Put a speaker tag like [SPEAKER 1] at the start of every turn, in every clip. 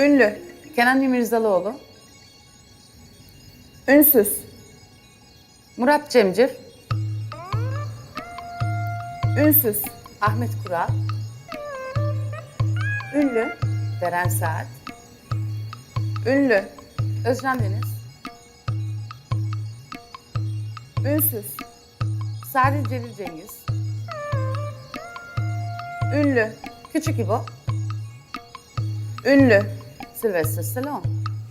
[SPEAKER 1] Ünlü. Kenan İmirzalıoğlu. Ünsüz. Murat Cemcir. Ünsüz. Ahmet Kural. Ünlü. Beren Saat. Ünlü. Özcan Deniz. Ünsüz. Sadi Celil Cengiz. Ünlü. Küçük İbo. Ünlü. Sylvester Stallone.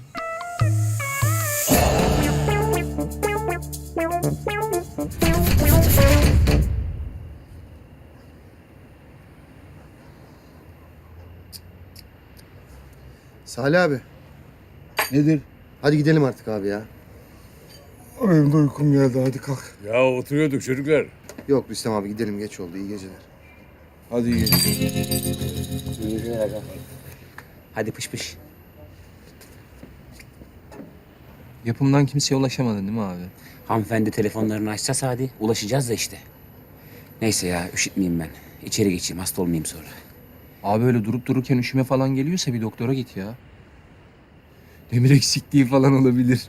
[SPEAKER 2] Salih abi.
[SPEAKER 3] Nedir?
[SPEAKER 2] Hadi gidelim artık abi ya.
[SPEAKER 3] Benim de uykum geldi. Hadi kalk.
[SPEAKER 4] Ya oturuyorduk çocuklar.
[SPEAKER 2] Yok Rüstem abi gidelim geç oldu. İyi geceler.
[SPEAKER 3] Hadi iyi.
[SPEAKER 5] Hadi pış pış.
[SPEAKER 6] Yapımdan kimseye ulaşamadın değil mi abi?
[SPEAKER 5] Hanımefendi telefonlarını açsa Sadi, ulaşacağız da işte. Neyse ya, üşütmeyeyim ben. İçeri geçeyim, hasta olmayayım sonra.
[SPEAKER 6] Abi öyle durup dururken üşüme falan geliyorsa bir doktora git ya. Demir eksikliği falan olabilir.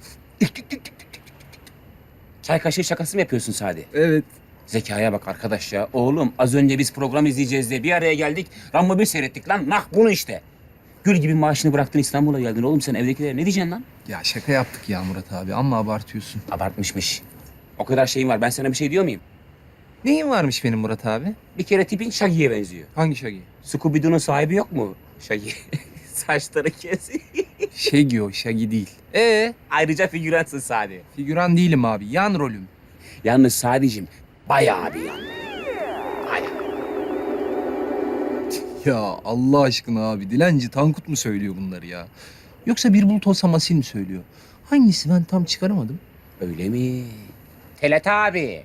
[SPEAKER 5] Çay kaşığı şakası mı yapıyorsun Sadi?
[SPEAKER 6] Evet.
[SPEAKER 5] Zekaya bak arkadaş ya. Oğlum az önce biz program izleyeceğiz diye bir araya geldik. Rambo 1 seyrettik lan. Nah bunu işte. Gül gibi maaşını bıraktın İstanbul'a geldin. Oğlum sen evdekilere ne diyeceksin lan?
[SPEAKER 6] Ya şaka yaptık ya Murat abi ama abartıyorsun.
[SPEAKER 5] Abartmışmış. O kadar şeyin var. Ben sana bir şey diyor muyum?
[SPEAKER 6] Neyin varmış benim Murat abi?
[SPEAKER 5] Bir kere tipin Shaggy'ye benziyor.
[SPEAKER 6] Hangi Şagi?
[SPEAKER 5] Scooby-Doo'nun sahibi yok mu? Shaggy. Saçları kes.
[SPEAKER 6] Şegi o, Şagi değil.
[SPEAKER 5] Ayrıca figüransın Sadi.
[SPEAKER 6] Figüran değilim abi, yan rolüm.
[SPEAKER 5] Yalnız Sadi'cim bayağı bir yan.
[SPEAKER 6] Ya Allah aşkına abi, Dilenci Tankut mu söylüyor bunları ya? Yoksa bir bulut olsam Asil mi söylüyor? Hangisi ben tam çıkaramadım.
[SPEAKER 5] Öyle mi? Telat abi.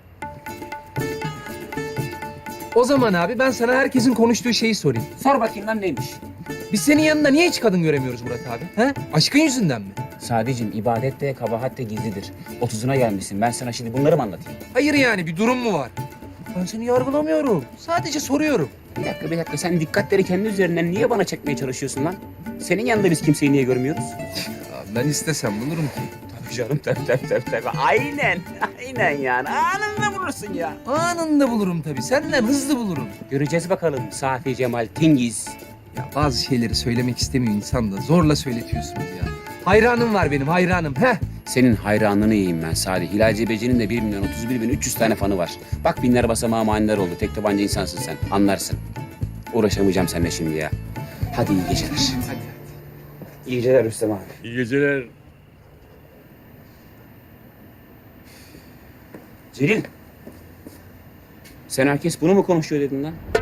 [SPEAKER 6] O zaman abi ben sana herkesin konuştuğu şeyi sorayım.
[SPEAKER 5] Sor bakayım lan neymiş?
[SPEAKER 6] Biz senin yanında niye hiç kadın göremiyoruz Murat abi? He? Aşkın yüzünden mi?
[SPEAKER 5] Sadicim ibadet de kabahat de gizlidir. 30'una gelmişsin. Ben sana şimdi bunları mı anlatayım?
[SPEAKER 6] Hayır yani bir durum mu var? Ben seni yargılamıyorum. Sadece soruyorum.
[SPEAKER 5] Bir dakika. Sen dikkatleri kendi üzerinden niye bana çekmeye çalışıyorsun lan? Senin yanında biz kimseyi niye görmüyoruz?
[SPEAKER 6] Ya ben istesem bulurum ki.
[SPEAKER 5] Tabii canım tabii. Aynen yani. Anında bulursun ya.
[SPEAKER 6] Anında bulurum tabii. Senden hızlı bulurum.
[SPEAKER 5] Göreceğiz bakalım Safi Cemal Tingiz.
[SPEAKER 6] Ya bazı şeyleri söylemek istemiyor insan da zorla söyletiyorsunuz ya. Hayranım var benim hayranım. Heh.
[SPEAKER 5] Senin hayranlığını yiyeyim ben Sadi. Hilal Cebeci'nin de 1.031.300 tane fanı var. Bak binler basamağı maniler oldu. Tek tabanca insansın sen. Anlarsın. Uğraşamayacağım seninle şimdi ya. Hadi iyi geceler.
[SPEAKER 6] Hadi.
[SPEAKER 5] İyi geceler Rüstem abi.
[SPEAKER 4] İyi geceler.
[SPEAKER 5] Celil. Sen herkes bunu mu konuşuyor dedin lan?